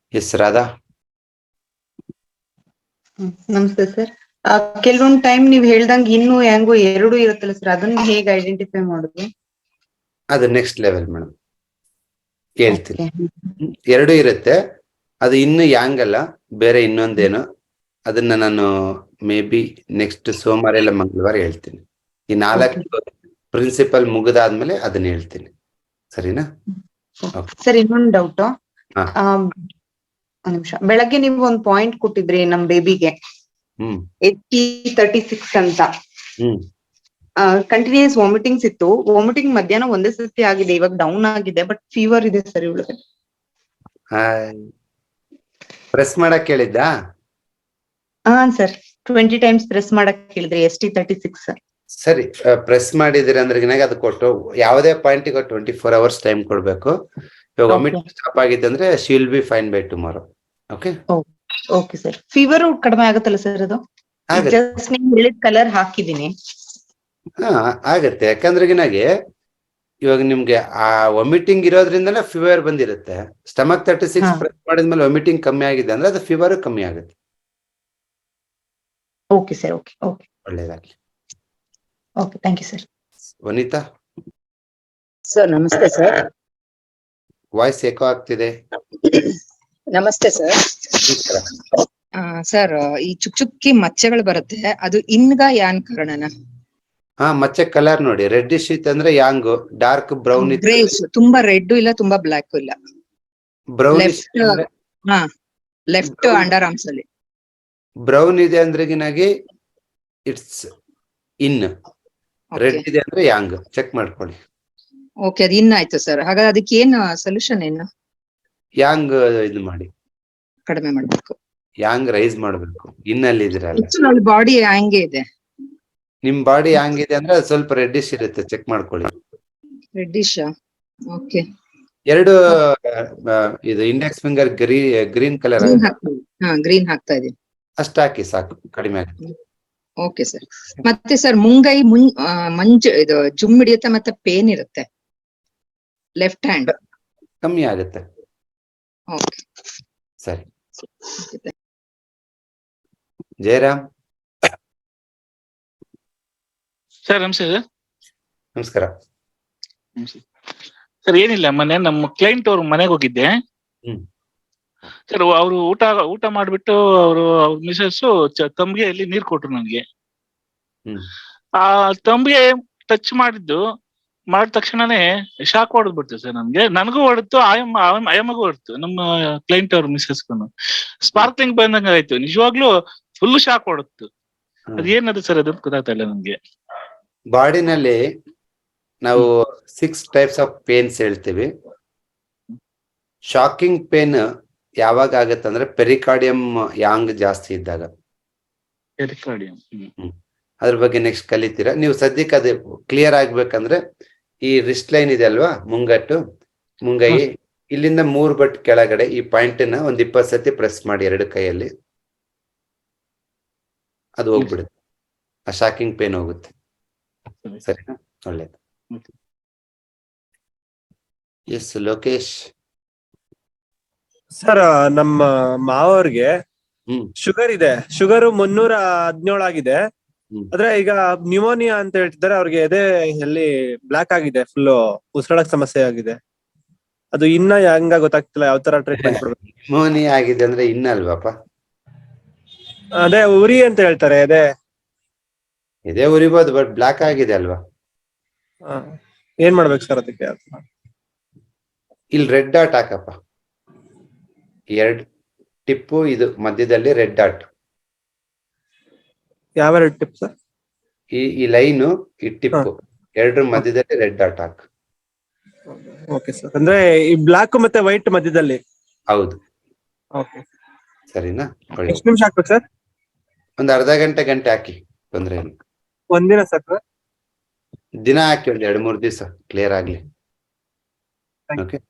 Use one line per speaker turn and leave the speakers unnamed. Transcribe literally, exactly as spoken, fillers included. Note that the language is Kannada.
ಎಸ್ ರಾಧಾ.
ನಮಸ್ತೆ ಸರ್. ಕೆಲವೊಂದ್ ಟೈಮ್ ನೀವ್ ಹೇಳ್ದಂಗ್ ಇನ್ನು ಹೆಂಗೋ ಎರಡು ಇರುತ್ತಲ್ಲ ಸರ್, ಅದನ್ನ ಹೇಗೆ ಐಡೆಂಟಿಫೈ ಮಾಡುದು?
ಅದು ನೆಕ್ಸ್ಟ್ ಲೆವೆಲ್ ಮೇಡಮ್, ಹೇಳ್ತೀನಿ. ಎರಡು ಇರುತ್ತೆ, ಅದು ಇನ್ನು ಯಾಂಗ್ ಅಲ್ಲ, ಬೇರೆ ಇನ್ನೊಂದೇನು. ಅದನ್ನ ನಾನು ಮೇ ಬಿ ನೆಕ್ಸ್ಟ್ ಸೋಮವಾರ ಇಲ್ಲ ಮಂಗಳವಾರ ಹೇಳ್ತೀನಿ. ಈ ನಾಲ್ಕು ಪ್ರಿನ್ಸಿಪಲ್ ಮುಗಿದಾದ್ಮೇಲೆ ಅದನ್ನ ಹೇಳ್ತೀನಿ, ಸರಿನಾ?
ಸರ್ ಇನ್ನೊಂದು ಡೌಟ್. ಒಂದ್ ನಿಮಿಷ, ಬೆಳಗ್ಗೆ ನೀವು ಒಂದ್ ಪಾಯಿಂಟ್ ಕೊಟ್ಟಿದ್ರಿ ನಮ್ ಬೇಬಿಗೆ
ಹ್ಮ್
ಏಟಿ ತರ್ಟಿ ಸಿಕ್ಸ್ ಅಂತ.
ಹ್ಮ್
ಕಂಟಿನ್ಯೂಸ್ ವಾಮಿಟಿಂಗ್ಸ್ ಇತ್ತು. ವಾಮಿಟಿಂಗ್ ಮಧ್ಯಾಹ್ನ ಒಂದೇ ಸತಿ ಆಗಿದೆ, ಇವಾಗ ಡೌನ್ ಆಗಿದೆ, ಬಟ್ ಫೀವರ್ ಇದೆ ಸರ್ ಇವಳಿಗೆ.
ಪ್ರೆಸ್ ಮಾಡಕ್ ಹೇಳಿದ್ದಾ?
ಹಾ ಸರ್, ಟ್ವೆಂಟಿ ಟೈಮ್ಸ್ ಪ್ರೆಸ್ ಮಾಡಕ್ ಹೇಳಿದ್ರಿ. Yes T thirty six sir.
ಸರಿ, ಪ್ರೆಸ್ ಮಾಡಿದಿರಿ ಅಂದ್ರೆ ಅದು ಕೊಟ್ಟು ಯಾವುದೇ ಪಾಯಿಂಟಿಗೆ ಟ್ವೆಂಟಿ ಫೋರ್ ಅವರ್ಸ್ ಟೈಮ್ ಕೊಡ್ಬೇಕು. ಇವಾಗ ವಾಮಿಟಿಂಗ್ ಸ್ಟಾಪ್ ಆಗಿದೆ ಅಂದ್ರೆ she will be fine by tomorrow. Okay
okay sir. Fever ಕಡಿಮೆ ಆಗುತ್ತಲ್ಲ ಸರ್ ಅದು? ಜಸ್ಟ್ ನೀವು ಹೇಳಿದ ಕಲರ್ ಹಾಕಿದೀನಿ.
ಹಾ ಆಗತ್ತೆ, ಯಾಕಂದ್ರೆ ಗಿನಾಗೆ ಇವಾಗ ನಿಮ್ಗೆ ಆ ವಾಮಿಟಿಂಗ್ ಇರೋದ್ರಿಂದನೇ ಫೀವರ್ ಬಂದಿರುತ್ತೆ. ಸ್ಟಮಕ್ ತರ್ಟಿ ಸಿಕ್ಸ್ ಪ್ರೆಸ್ ಮಾಡಿದ್ಮೇಲೆ ವಾಮಿಟಿಂಗ್ ಕಮ್ಮಿ ಆಗಿದೆ ಅಂದ್ರೆ ಅದು ಫೀವರ್ ಕಮ್ಮಿ ಆಗುತ್ತೆ.
Okay sir. ಓಕೆ ಓಕೆ
ಒಳ್ಳೇದಾಗ್ಲಿ.
Okay, thank you sir.
Vanitha
sir ನಮಸ್ತೆ ಸರ್.
ವಾಯ್ಸ್ ಏಕೋ ಆಗ್ತಿದೆ.
ನಮಸ್ತೆ ಸರ್. ಸರ್, ಈ ಚುಕ್ ಚುಕ್ಕಿ ಮಚ್ಚೆಗಳು ಬರುತ್ತೆ, ಅದು ಇನ್ಗ ಯಾನ್ ಕಾರಣನ?
ಹಾ, ಮಚ್ಚೆ ಕಲರ್ ನೋಡಿ, ರೆಡ್ಡಿಶ್ ಇತ್ತು ಅಂದ್ರೆ ಯಾಂಗ್, ಡಾರ್ಕ್ ಬ್ರೌನ್ ಇತ್ತು.
ತುಂಬಾ ರೆಡ್ ಇಲ್ಲ, ತುಂಬಾ ಬ್ಲಾಕ್ ಇಲ್ಲ,
ಬ್ರೌನಿಶ್.
ಹಾ, ಲೆಫ್ಟ್ ಅಂಡರ್ ಆರ್ಮ್ಸ್ ಅಲ್ಲಿ
ಬ್ರೌನ್ ಇದೆ ಅಂದ್ರೆ ಗಿನಾಗಿ ಇಟ್ಸ್ ಇನ್, ರೆಡ್ ಇದೆ ಅಂದ್ರೆ ಯಾಂಗ್. ಚೆಕ್ ಮಾಡ್ಕೊಳ್ಳಿ.
ಓಕೆ, ಅದು ಇನ್ ಆಯ್ತು ಸರ್. ಹಾಗಾದ್ರೆ ಅದಕ್ಕೆ ಏನ್ ಸೊಲ್ಯೂಷನ್ ಏನು?
ಯಾಂಗ್ ಇದು ಮಾಡಿ,
ಕಡಿಮೆ ಮಾಡ್ಬೇಕು.
ಯಾಂಗ್ ರೈಸ್ ಮಾಡ್ಬೇಕು. ಇನ್ನಲ್ಲಿ ಇದ್ರಲ್ಲ,
ಬಾಡಿ ಹಂಗೆ ಇದೆ.
ನಿಮ್ ಬಾಡಿ ಹಂಗಿದೆ ಅಂದ್ರೆ ಅದು ಸ್ವಲ್ಪ ರೆಡ್ಡಿಶ್ ಇರುತ್ತೆ, ಚೆಕ್ ಮಾಡ್ಕೊಳ್ಳಿ.
ರೆಡ್ಡಿಶ್? ಓಕೆ.
ಎರಡು ಇದು ಇಂಡೆಕ್ಸ್ ಫಿಂಗರ್ ಗ್ರೀ ಗ್ರೀನ್ ಕಲರ್.
ಹಾ, ಗ್ರೀನ್ ಹಾಕ್ತಾ ಇದೀನಿ.
ಅಷ್ಟ ಹಾಕಿ ಸಾಕು, ಕಡಿಮೆ ಆಗುತ್ತೆ.
Okay sir. ಮತ್ತೆ ಸರ್, ಮುಂಗೈ ಮುಂ ಮಂಜು ಇದು ಜುಮ್ ಹಿಡಿಯುತ್ತೆ, ಮತ್ತೆ ಪೇನ್ ಇರುತ್ತೆ ಲೆಫ್ಟ್ ಹ್ಯಾಂಡ್.
ಕಮ್ಮಿ ಆಗುತ್ತೆ.
ಓಕೆ
ಸರಿ. ಜಯರಾಮ್
ಸರ್ ನಮಸ್ತೆ ಸರ್.
ನಮಸ್ಕಾರ
ಸರ್. ಏನಿಲ್ಲ, ಮೊನ್ನೆ ನಮ್ಮ ಕ್ಲೈಂಟ್ ಅವ್ರ ಮನೆಗೆ ಹೋಗಿದ್ದೆ ಸರ್. ಅವರು ಊಟ ಊಟ ಮಾಡ್ಬಿಟ್ಟು ಅವರು ಅವ್ರ ಮಿಸಸ್ ತಂಬಿಗೆಯಲ್ಲಿ ನೀರ್ ಕೊಟ್ರು ನನಗೆ. ಆ ತಂಬಿಗೆ ಟಚ್ ಮಾಡಿದ್ದು ಮಾಡಿದ ತಕ್ಷಣನೇ ಶಾಕ್ ಹೊಡೆದ್ಬಿಡ್ತು ಸರ್ ನನ್ಗೆ. ನನಗೂ ಹೊಡೆತು, ಆಯಮ್ಮ ಆಯಮ್ಮಗೂ ಹೊಡೆತು, ನಮ್ಮ ಕ್ಲೈಂಟ್ ಅವ್ರ ಮಿಸಸ್ಗೂ ಸ್ಪಾರ್ಕ್ಲಿಂಗ್ ಬಂದಂಗ ಆಯ್ತು. ನಿಜವಾಗ್ಲೂ ಫುಲ್ ಶಾಕ್ ಹೊಡೆತು. ಅದೇನದು ಸರ್, ಅದು ಗೊತ್ತಾಗ್ತಾ ಇಲ್ಲ ನನ್ಗೆ.
ಬಾಡಿನಲ್ಲಿ ನಾವು ಸಿಕ್ಸ್ ಟೈಪ್ಸ್ ಆಫ್ ಪೇನ್ಸ್ ಹೇಳ್ತೀವಿ. ಶಾಕಿಂಗ್ ಪೇನ್ ಯಾವಾಗ ಆಗತ್ತೆ ಅಂದ್ರೆ ಪೆರಿಕಾರ್ಡಿಯಂ ಯಾಂಗ್ ಜಾಸ್ತಿ ಇದ್ದಾಗ.
ಪೆರಿಕಾರ್ಡಿಯಂ,
ಅದ್ರ ಬಗ್ಗೆ ನೆಕ್ಸ್ಟ್ ಕಲಿತೀರಾ ನೀವು. ಸದ್ಯಕ್ಕೆ ಅದು ಕ್ಲಿಯರ್ ಆಗ್ಬೇಕಂದ್ರೆ ಈ ರಿಸ್ಟ್ ಲೈನ್ ಇದೆ ಅಲ್ವಾ, ಮುಂಗಟ್ಟು ಮುಂಗೈ, ಇಲ್ಲಿಂದ ಮೂರ್ ಬಟ್ ಕೆಳಗಡೆ ಈ ಪಾಯಿಂಟ್ ನ ಒಂದ್ ಇಪ್ಪತ್ ಸತಿ ಪ್ರೆಸ್ ಮಾಡಿ ಎರಡು ಕೈಯಲ್ಲಿ, ಅದು ಹೋಗ್ಬಿಡುತ್ತೆ. ಆ ಶಾಕಿಂಗ್ ಪೇನ್ ಹೋಗುತ್ತೆ. ಸರಿನಾ? ಒಳ್ಳೇದು. ಎಸ್ ಲೋಕೇಶ್.
ಸರ್, ನಮ್ಮ ಮಾವವ್ರಿಗೆ ಶುಗರ್ ಇದೆ. ಶುಗರ್ ಮುನ್ನೂರ ಹದಿನೇಳು ಆಗಿದೆ. ಆದ್ರೆ ಈಗ ನ್ಯೂಮೋನಿಯಾ ಅಂತ ಹೇಳ್ತಿದ್ದಾರೆ. ಅವ್ರಿಗೆ ಎದೆ ಎಲ್ಲಿ ಬ್ಲಾಕ್ ಆಗಿದೆ, ಫುಲ್ ಉಸಿರಾಡಕ್ ಸಮಸ್ಯೆ ಆಗಿದೆ. ಅದು ಇನ್ನ ಹೆಂಗ ಗೊತ್ತಾಗ್ತಿಲ್ಲ, ಯಾವ ತರ ಟ್ರೀಟ್ಮೆಂಟ್ ಕೊಡ್ಬೇಕು?
ನ್ಯೂಮೋನಿಯಾ ಆಗಿದೆ ಅಂದ್ರೆ ಇನ್ನ ಅಲ್ವಾಪ?
ಅದೇ ಉರಿ ಅಂತ ಹೇಳ್ತಾರೆ. ಎದೆ
ಎದೆ ಉರಿಬೋದು, ಬಟ್ ಬ್ಲಾಕ್ ಆಗಿದೆ ಅಲ್ವಾ?
ಏನ್ ಮಾಡ್ಬೇಕು ಸರ್ ಅದಕ್ಕೆ?
ಇಲ್ಲಿ ರೆಡ್ ಡಾಟ್ ಹಾಕಪ್ಪ, ಎರಡ್ ಟಿಪ್ಪು, ಇದು ಮಧ್ಯದಲ್ಲಿ ರೆಡ್ ಡಾಟ್.
ಯಾವ ರೆಡ್ ಟಿಪ್ ಸರ್?
ಈ ಈ ಲೈನು, ಈ ಟಿಪ್ಪು ಎರಡ್ರ ಮಧ್ಯದಲ್ಲಿ ರೆಡ್ ಡಾಟ್ ಹಾಕ್.
Okay sir. ಅಂದ್ರೆ ಈ ಬ್ಲಾಕ್ ಮತ್ತೆ ವೈಟ್ ಮಧ್ಯದಲ್ಲಿ?
ಹೌದು.
ಓಕೆ,
ಸರಿನಾ?
ಎಷ್ಟು ನಿಮಿಷ ಹಾಕ್ಬೇಕು ಸರ್?
ಒಂದ್ ಅರ್ಧ ಗಂಟೆ ಗಂಟೆ ಹಾಕಿ, ತೊಂದ್ರೆ ಇಲ್ಲ.
ಒಂದಿನ ಸರ್?
ದಿನ ಹಾಕಿ ಒಂದ್ ಎರಡ್ ಮೂರ್ ದಿವಸ ಕ್ಲಿಯರ್ ಆಗ್ಲಿ. ಓಕೆ.